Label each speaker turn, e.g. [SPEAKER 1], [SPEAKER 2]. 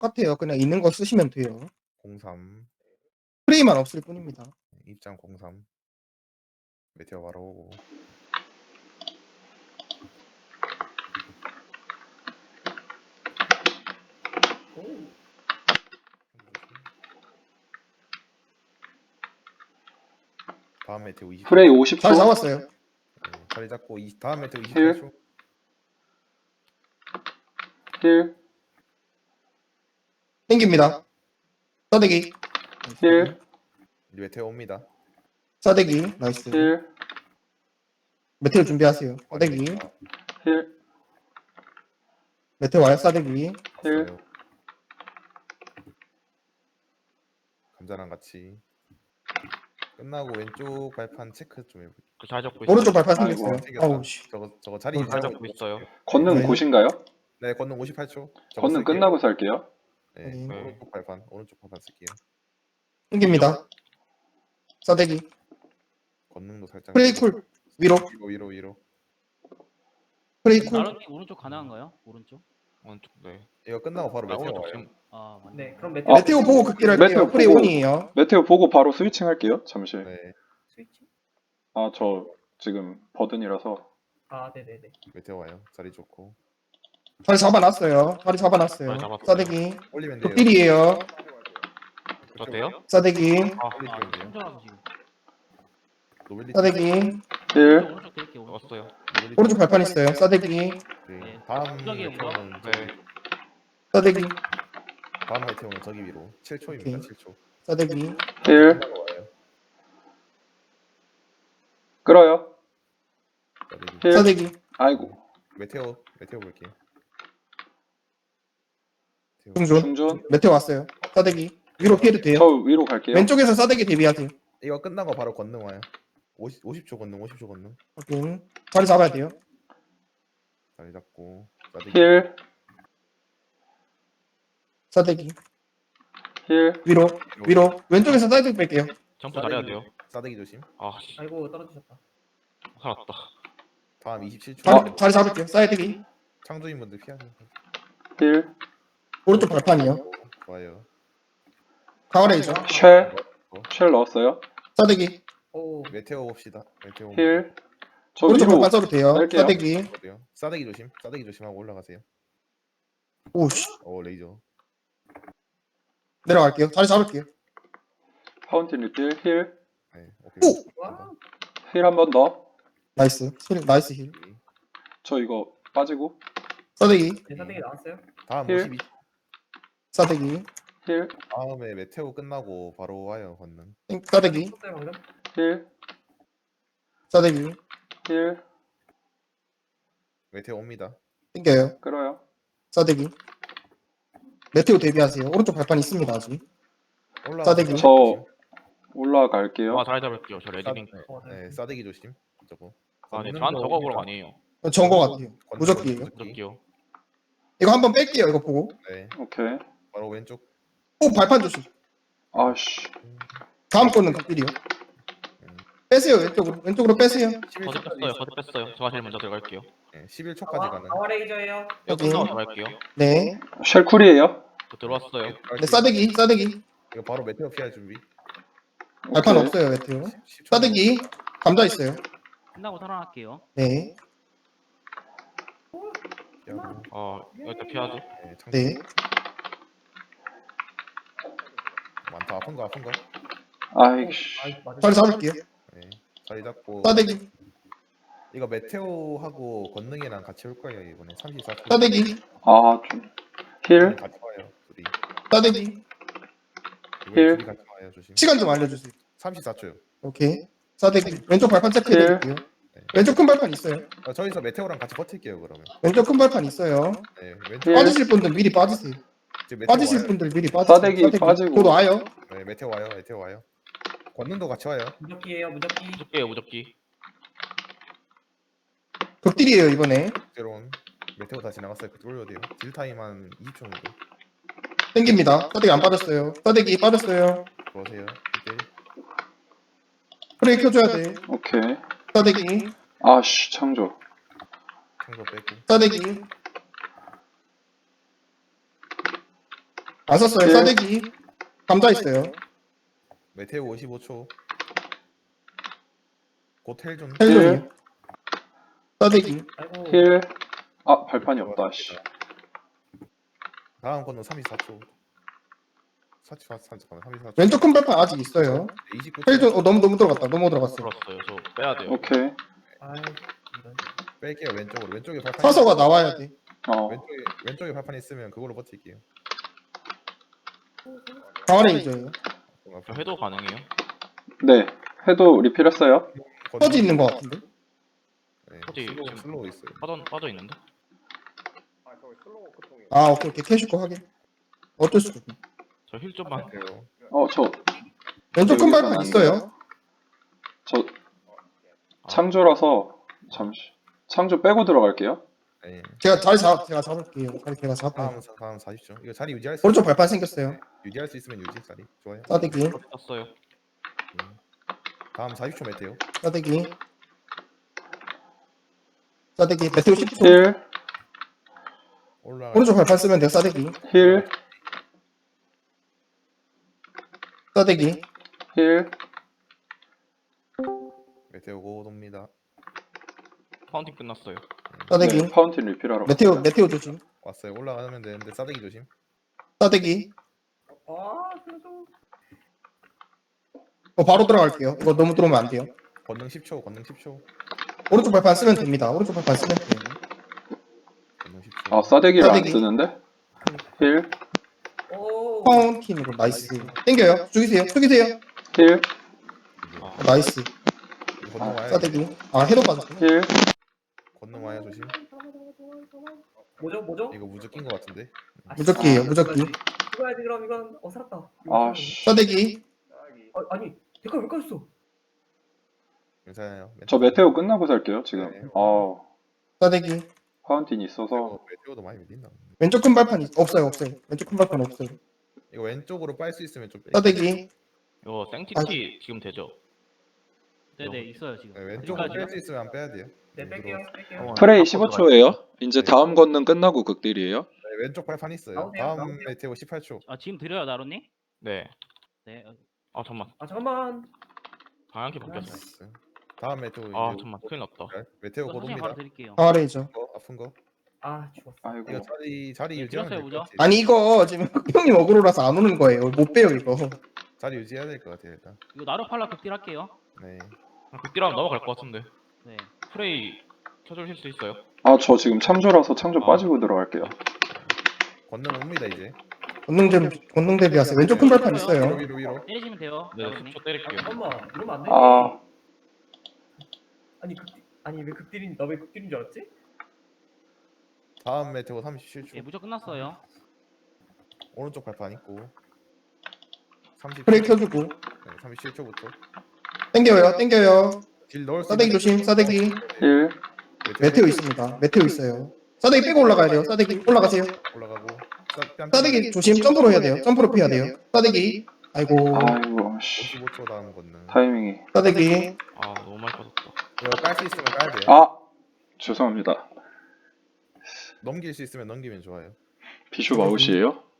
[SPEAKER 1] 똑같아요. 그냥 있는 거 쓰시면 돼요.
[SPEAKER 2] 03
[SPEAKER 1] 프레이만 없을 뿐입니다.
[SPEAKER 2] 입장 03 메테오 바로 오고 다음 메테오 20.
[SPEAKER 3] 프레이
[SPEAKER 1] 잘
[SPEAKER 3] 50초.
[SPEAKER 1] 잡았어요.
[SPEAKER 2] 네, 자리 잡고 다음 메테오
[SPEAKER 3] 힐.
[SPEAKER 2] 28초.
[SPEAKER 3] 힐.
[SPEAKER 1] 땡깁니다. 싸대기.
[SPEAKER 3] 힐.
[SPEAKER 2] 이제 메테오 옵니다.
[SPEAKER 1] 싸대기. 나이스.
[SPEAKER 3] 힐.
[SPEAKER 1] 메테오 준비하세요. 싸대기.
[SPEAKER 3] 힐.
[SPEAKER 1] 메테오 와요. 싸대기.
[SPEAKER 3] 힐.
[SPEAKER 2] 왔어요. 감자랑 같이 끝나고 왼쪽 발판 체크 좀 해볼게요.
[SPEAKER 4] 잘 잡고 있어요.
[SPEAKER 1] 오른쪽 발판
[SPEAKER 3] 아이고,
[SPEAKER 1] 생겼어요.
[SPEAKER 2] 생겼다.
[SPEAKER 1] 어우 씨.
[SPEAKER 2] 저거 자리
[SPEAKER 1] 잘
[SPEAKER 2] 유지하고
[SPEAKER 4] 잡고 있어요.
[SPEAKER 3] 권능
[SPEAKER 1] 네.
[SPEAKER 3] 보신가요?
[SPEAKER 2] 네, 건능 58초.
[SPEAKER 3] 권능 끝나고 살게요.
[SPEAKER 2] 네,
[SPEAKER 1] 네.
[SPEAKER 2] 오른쪽 발판 쓸게요.
[SPEAKER 1] 땡깁니다. 싸대기.
[SPEAKER 2] 건능도 살짝.
[SPEAKER 1] 프레이 쿨. 위로.
[SPEAKER 2] 위로.
[SPEAKER 1] 프레이 쿨.
[SPEAKER 5] 나른이 오른쪽 가능한가요? 오른쪽?
[SPEAKER 4] 오른쪽 네.
[SPEAKER 2] 이거 끝나고 바로
[SPEAKER 4] 아,
[SPEAKER 2] 메테오
[SPEAKER 4] 오른쪽
[SPEAKER 2] 와요.
[SPEAKER 4] 지금
[SPEAKER 5] 아 맞네.
[SPEAKER 6] 네, 그럼 메테오
[SPEAKER 1] 메테오 보고 극딜 할게요.
[SPEAKER 3] 메테오
[SPEAKER 1] 프레이
[SPEAKER 3] 보고.
[SPEAKER 1] 온이에요.
[SPEAKER 3] 메테오 보고 바로 스위칭 할게요. 잠시.
[SPEAKER 2] 네,
[SPEAKER 6] 스위치?
[SPEAKER 3] 아, 저 지금 버든이라서.
[SPEAKER 6] 아, 네네네.
[SPEAKER 2] 메테오 와요. 자리 좋고.
[SPEAKER 1] 자리 잡아놨어요. 자리 잡아놨어요.
[SPEAKER 4] 자리 잡았어요.
[SPEAKER 1] 싸대기.
[SPEAKER 2] 올리면 돼요.
[SPEAKER 1] 극딜이에요.
[SPEAKER 4] 어때요?
[SPEAKER 1] 싸대기.
[SPEAKER 2] 올리면 돼요.
[SPEAKER 5] 혼자라서 지금.
[SPEAKER 2] 노벨리
[SPEAKER 1] 싸대기.
[SPEAKER 3] 힐.
[SPEAKER 5] 오른쪽 드릴게요. 오른쪽.
[SPEAKER 4] 왔어요.
[SPEAKER 1] 오른쪽 발판 있어요. 싸대기.
[SPEAKER 2] 네, 다음
[SPEAKER 5] 저기
[SPEAKER 2] 메테오는
[SPEAKER 4] 네.
[SPEAKER 1] 싸대기.
[SPEAKER 2] 다음 메테오는 저기 위로 7초입니다.
[SPEAKER 1] 오케이.
[SPEAKER 2] 7초.
[SPEAKER 1] 싸대기.
[SPEAKER 3] 힐.
[SPEAKER 2] 와요.
[SPEAKER 3] 끌어요.
[SPEAKER 2] 싸대기.
[SPEAKER 3] 힐.
[SPEAKER 1] 싸대기.
[SPEAKER 3] 아이고.
[SPEAKER 2] 메테오 볼게요. 메테오.
[SPEAKER 1] 중존.
[SPEAKER 3] 중존.
[SPEAKER 1] 메테오 왔어요. 싸대기. 위로 피해도 돼요.
[SPEAKER 3] 저 위로 갈게요.
[SPEAKER 1] 왼쪽에서 싸대기 대비하세요.
[SPEAKER 2] 이거 끝나고 바로 건능 와요. 50초 건능.
[SPEAKER 1] 확인. 자리 잡아야 돼요.
[SPEAKER 2] 자리 잡고 싸대기.
[SPEAKER 3] 힐.
[SPEAKER 1] 싸대기.
[SPEAKER 3] 힐.
[SPEAKER 1] 위로. 왼쪽에서 싸대기 뺄게요.
[SPEAKER 4] 점프 잘해야 돼요.
[SPEAKER 2] 싸대기 조심.
[SPEAKER 4] 아 씨.
[SPEAKER 6] 아이고, 떨어지셨다.
[SPEAKER 4] 살았다.
[SPEAKER 2] 다음 27초.
[SPEAKER 1] 자리 잡을게요. 싸대기.
[SPEAKER 2] 창조인분들 피하세요.
[SPEAKER 3] 힐.
[SPEAKER 1] 오른쪽 발판이요.
[SPEAKER 2] 좋아요.
[SPEAKER 1] 강화레이저.
[SPEAKER 3] 쉘 넣었어요.
[SPEAKER 1] 싸대기.
[SPEAKER 6] 오,
[SPEAKER 2] 메테오 봅시다. 메테오.
[SPEAKER 3] 힐. 저
[SPEAKER 1] 오른쪽
[SPEAKER 3] 위로.
[SPEAKER 1] 발판 써도 돼요.
[SPEAKER 3] 뺄게요.
[SPEAKER 1] 싸대기.
[SPEAKER 2] 어때요? 싸대기 조심하고 올라가세요.
[SPEAKER 1] 오씨.
[SPEAKER 2] 레이저.
[SPEAKER 1] 내려갈게요. 자리 잡을게요.
[SPEAKER 3] 파운틴 리필. 힐.
[SPEAKER 2] 네, 오케이.
[SPEAKER 1] 오!
[SPEAKER 6] 와,
[SPEAKER 3] 힐 한 번 더.
[SPEAKER 1] 나이스. 나이스 힐.
[SPEAKER 3] 저 이거 빠지고.
[SPEAKER 1] 싸대기.
[SPEAKER 6] 대사되게 나왔어요?
[SPEAKER 2] 다음
[SPEAKER 3] 힐.
[SPEAKER 2] 52.
[SPEAKER 1] 싸대기.
[SPEAKER 3] 힐.
[SPEAKER 2] 다음에 메테오 끝나고 바로 와요 건능.
[SPEAKER 1] 싸대기.
[SPEAKER 6] 썼어요, 방금?
[SPEAKER 3] 힐.
[SPEAKER 1] 싸대기.
[SPEAKER 3] 힐.
[SPEAKER 2] 메테오 옵니다.
[SPEAKER 1] 땡겨요.
[SPEAKER 3] 끌어요.
[SPEAKER 1] 싸대기. 메테오 대비하세요. 오른쪽 발판 있습니다 아직. 싸대기.
[SPEAKER 3] 저 올라갈게요.
[SPEAKER 4] 아 잘 잡을게요. 저 레디링.
[SPEAKER 2] 네, 싸대기 조심. 저거.
[SPEAKER 4] 아 네. 저한 저거 보러 아니에요.
[SPEAKER 1] 좋은 거 같아요. 무적기예요.
[SPEAKER 4] 무적기요.
[SPEAKER 1] 이거 한번 뺄게요. 이거 보고.
[SPEAKER 2] 네,
[SPEAKER 3] 오케이.
[SPEAKER 2] 바로 왼쪽.
[SPEAKER 1] 오 발판 조심.
[SPEAKER 3] 아씨.
[SPEAKER 1] 다음 거는 극딜이요. 빼세요 왼쪽으로. 왼쪽으로 빼세요.
[SPEAKER 4] 거드 뺐어요. 거드 뺐어요. 제가 제일 먼저 들어갈게요.
[SPEAKER 2] 네, 11초까지 가는.
[SPEAKER 6] 강화 레이저예요.
[SPEAKER 4] 이거
[SPEAKER 1] 오케이.
[SPEAKER 4] 끝나고 들어갈게요.
[SPEAKER 1] 네.
[SPEAKER 3] 쉘 쿨이에요.
[SPEAKER 4] 저 들어왔어요.
[SPEAKER 1] 네 싸대기.
[SPEAKER 2] 이거 바로 메테오 피할 준비.
[SPEAKER 1] 발판
[SPEAKER 3] 오케이.
[SPEAKER 1] 없어요 메테오.
[SPEAKER 2] 10초.
[SPEAKER 1] 싸대기. 감자 있어요.
[SPEAKER 5] 끝나고 살아날게요.
[SPEAKER 1] 네.
[SPEAKER 2] 피하고.
[SPEAKER 4] 일단 피하죠.
[SPEAKER 2] 네, 창조.
[SPEAKER 1] 네.
[SPEAKER 2] 많다. 아픈 거.
[SPEAKER 3] 아이씨.
[SPEAKER 6] 아이, 맞아.
[SPEAKER 1] 자리 잡을게요.
[SPEAKER 2] 네, 자리 잡고.
[SPEAKER 1] 싸대기.
[SPEAKER 2] 이거 메테오하고 건능이랑 같이 올 거예요 이번에 34초.
[SPEAKER 1] 싸대기.
[SPEAKER 3] 아, 좀. 힐.
[SPEAKER 2] 같이 와요. 둘이.
[SPEAKER 1] 싸대기.
[SPEAKER 2] 이번에
[SPEAKER 3] 힐.
[SPEAKER 2] 둘이 같이 와요. 조심.
[SPEAKER 1] 시간 좀 알려주세요.
[SPEAKER 2] 34초요.
[SPEAKER 1] 오케이. 싸대기. 왼쪽 발판 체크해드릴게요. 왼쪽 큰 발판 있어요.
[SPEAKER 2] 저기서 메테오랑 같이 버틸게요 그러면.
[SPEAKER 1] 왼쪽 큰 발판 있어요.
[SPEAKER 2] 네, 왼쪽.
[SPEAKER 3] 힐.
[SPEAKER 1] 빠지실 분들 미리 빠지세요.
[SPEAKER 2] 지금 메테오
[SPEAKER 1] 빠지실
[SPEAKER 2] 와요.
[SPEAKER 1] 분들 미리 빠지세요.
[SPEAKER 3] 싸대기 빠지고.
[SPEAKER 1] 곧 와요.
[SPEAKER 2] 네, 메테오 와요. 권능도 같이 와요.
[SPEAKER 6] 무적기예요, 무적기.
[SPEAKER 4] 무적기예요. 무적기.
[SPEAKER 1] 극딜이에요 이번에.
[SPEAKER 2] 새로운 메테오 다 지나갔어요. 그때 올려도 돼요. 딜 타임 한 20초 정도.
[SPEAKER 1] 땡깁니다. 싸대기 안 빠졌어요. 싸대기 빠졌어요.
[SPEAKER 2] 그러세요. 이때
[SPEAKER 1] 프레이 켜줘야 돼.
[SPEAKER 3] 오케이.
[SPEAKER 1] 싸대기.
[SPEAKER 3] 아씨, 창조.
[SPEAKER 2] 창조 빼고.
[SPEAKER 1] 싸대기. 안 썼어요.
[SPEAKER 3] 네.
[SPEAKER 1] 싸대기. 감자 있어요.
[SPEAKER 2] 메테오 55초. 곧 헬 좀.
[SPEAKER 1] 헬존이요. 싸대기.
[SPEAKER 6] 아이고.
[SPEAKER 3] 힐. 아, 발판이 없다, 씨.
[SPEAKER 2] 다음 건너 34초. 34초.
[SPEAKER 1] 왼쪽 큰 발판 아직 있어요.
[SPEAKER 2] 29초.
[SPEAKER 1] 헬존 너무 들어갔다. 너무 들어갔어.
[SPEAKER 4] 들었어요. 저 빼야 돼요.
[SPEAKER 3] 오케이.
[SPEAKER 6] 아이 이런.
[SPEAKER 2] 뺄게요 왼쪽으로. 왼쪽에 발판.
[SPEAKER 1] 사서가 나와야 돼.
[SPEAKER 2] 왼쪽에 발판 있으면 그걸로 버틸게요.
[SPEAKER 1] 강화레이저예요.
[SPEAKER 4] 저 해도 가능해요?
[SPEAKER 3] 네. 해도 리필했어요.
[SPEAKER 1] 퍼지 있는 것 같은데.
[SPEAKER 2] 네,
[SPEAKER 4] 퍼지 지금
[SPEAKER 2] 슬로우 있어요.
[SPEAKER 4] 빠져 있는데?
[SPEAKER 1] 아 오케이 캐슈코 하긴. 어쩔 수가 없네.
[SPEAKER 4] 저 힐 좀만.
[SPEAKER 2] 메테오.
[SPEAKER 3] 저
[SPEAKER 1] 왼쪽 큰 발판
[SPEAKER 3] 여기서
[SPEAKER 1] 있어요.
[SPEAKER 3] 창조라서 잠시. 창조 빼고 들어갈게요.
[SPEAKER 2] 네.
[SPEAKER 1] 제가 잡을게요. 제가 잡아요.
[SPEAKER 2] 다음 40초. 이거 자리 유지할 수
[SPEAKER 1] 오른쪽 발판 생겼어요.
[SPEAKER 2] 유지할 수 있으면 유지 자리. 좋아요.
[SPEAKER 1] 싸대기.
[SPEAKER 4] 떴어요.
[SPEAKER 2] 다음 40초 메테오.
[SPEAKER 1] 싸대기. 싸대기. 메테오 10초.
[SPEAKER 3] 힐.
[SPEAKER 2] 올라가.
[SPEAKER 1] 오른쪽 발판 쓰면 돼요. 싸대기.
[SPEAKER 3] 힐.
[SPEAKER 1] 싸대기.
[SPEAKER 3] 힐.
[SPEAKER 2] 메테오 고도입니다.
[SPEAKER 4] 파운틴 끝났어요.
[SPEAKER 1] 싸대기.
[SPEAKER 3] 네, 파운틴 리필하러.
[SPEAKER 1] 메테오 조심.
[SPEAKER 2] 왔어요. 올라가면 되는데 싸대기 조심.
[SPEAKER 1] 싸대기.
[SPEAKER 6] 아 그래서.
[SPEAKER 1] 바로 들어갈게요. 이거 너무 들어오면 안 돼요.
[SPEAKER 2] 권능 10초. 권능 10초.
[SPEAKER 1] 오른쪽 발판 쓰면 됩니다. 오른쪽 발판 쓰면 돼요.
[SPEAKER 2] 권능 10초.
[SPEAKER 3] 아, 싸대기를 안
[SPEAKER 1] 싸대기.
[SPEAKER 3] 쓰는데? 힐.
[SPEAKER 6] 오.
[SPEAKER 1] 파운틴으로 나이스. 땡겨요. 죽이세요.
[SPEAKER 3] 힐.
[SPEAKER 1] 나이스.
[SPEAKER 2] 권능 와요.
[SPEAKER 1] 싸대기. 아 해도 빠졌네.
[SPEAKER 3] 힐.
[SPEAKER 2] 권능 와요 조심.
[SPEAKER 6] 뭐죠?
[SPEAKER 2] 이거 무적 낀거 같은데.
[SPEAKER 1] 무적기예요. 무적기.
[SPEAKER 6] 죽어야지 그럼 이건 살았다.
[SPEAKER 3] 아, 씨.
[SPEAKER 1] 싸대기.
[SPEAKER 6] 아니 데카 왜 까졌어?
[SPEAKER 2] 괜찮아요.
[SPEAKER 3] 저 메테오 끝나고 살게요,
[SPEAKER 2] 네.
[SPEAKER 3] 지금.
[SPEAKER 1] 싸대기.
[SPEAKER 3] 파운틴이 있어서.
[SPEAKER 2] 메테오도 많이 밀린다.
[SPEAKER 1] 왼쪽 큰 발판 없어요. 왼쪽 큰 발판 없어요.
[SPEAKER 2] 이거 왼쪽으로 빨 수 있으면 좀.
[SPEAKER 1] 싸대기.
[SPEAKER 4] 이거 생티티 지금 되죠?
[SPEAKER 5] 네네 있어요 지금.
[SPEAKER 2] 네, 왼쪽으로
[SPEAKER 5] 여기까지요?
[SPEAKER 2] 뺄 수 있으면 안 빼야 돼요.
[SPEAKER 6] 네 뺄게요.
[SPEAKER 7] 프레이 15초예요. 이제 다음 건능 끝나고 극딜이에요.
[SPEAKER 2] 네, 왼쪽 발판 있어요.
[SPEAKER 6] 나오세요,
[SPEAKER 2] 다음
[SPEAKER 6] 나오세요.
[SPEAKER 2] 메테오 18초.
[SPEAKER 5] 아 지금 드려요 나로님?
[SPEAKER 4] 네.
[SPEAKER 5] 네.
[SPEAKER 4] 아 잠만.
[SPEAKER 6] 아 잠깐만.
[SPEAKER 4] 방향키 바뀌었어.
[SPEAKER 2] 나이스. 다음 메테오
[SPEAKER 4] 아
[SPEAKER 2] 이제
[SPEAKER 4] 잠만. 큰일 났다.
[SPEAKER 2] 메테오
[SPEAKER 5] 저 사진
[SPEAKER 2] 고도입니다.
[SPEAKER 5] 바로 드릴게요.
[SPEAKER 1] 강화레이저.
[SPEAKER 2] 아픈 거.
[SPEAKER 6] 아 죽었어.
[SPEAKER 3] 아이고.
[SPEAKER 2] 이거 자리
[SPEAKER 5] 네,
[SPEAKER 2] 유지하면
[SPEAKER 5] 들었어요,
[SPEAKER 2] 될것
[SPEAKER 5] 무적?
[SPEAKER 2] 같아요.
[SPEAKER 1] 아니 이거 지금 흑형님 어그로라서 안 오는 거예요. 못 빼요 이거.
[SPEAKER 2] 자리 유지해야 될 것 같아요 일단.
[SPEAKER 5] 이거 나로팔라 극딜 할게요.
[SPEAKER 2] 네.
[SPEAKER 4] 극딜하면 넘어갈 것 같은데.
[SPEAKER 5] 네.
[SPEAKER 4] 프레이 켜주실 수 있어요?
[SPEAKER 3] 저 지금 창조라서 창조 빠지고 들어갈게요.
[SPEAKER 2] 권능 옵니다 이제.
[SPEAKER 1] 권능 대비하세요. 왼쪽 큰 발판 있어요.
[SPEAKER 2] 위로.
[SPEAKER 5] 때리시면 돼요.
[SPEAKER 4] 네,
[SPEAKER 5] 나로님.
[SPEAKER 4] 10초 때릴게요.
[SPEAKER 6] 잠깐만 이러면 안 돼. 아니 왜 극딜인 너 왜 극딜인 줄 알았지?
[SPEAKER 2] 다음 메테오 37초.
[SPEAKER 5] 네 무적 끝났어요.
[SPEAKER 2] 오른쪽 발판 있고. 30.
[SPEAKER 1] 프레이 켜주고.
[SPEAKER 2] 네, 37초부터.
[SPEAKER 1] 땡겨요.
[SPEAKER 2] 딜 넣을 수
[SPEAKER 1] 싸대기
[SPEAKER 2] 있는-
[SPEAKER 1] 조심. 싸대기.
[SPEAKER 3] 힐.
[SPEAKER 1] 메테오 있습니다. 메테오 있어요. 싸대기 빼고 올라가야 돼요. 싸대기 올라가세요.
[SPEAKER 2] 올라가고.
[SPEAKER 1] 싸대기 조심. 점프로 해야 돼요. 점프로 피해야 돼요. 싸대기. 아이고.
[SPEAKER 3] 아이고, 씨.
[SPEAKER 2] 55초 다음 권능.
[SPEAKER 3] 타이밍이.
[SPEAKER 1] 싸대기.
[SPEAKER 4] 아 너무 많이 빠졌다.
[SPEAKER 2] 이거 깔 수 있으면 깔야 돼요.
[SPEAKER 3] 죄송합니다.
[SPEAKER 2] 넘길 수 있으면 넘기면 좋아요.
[SPEAKER 3] 비숍 아웃이에요?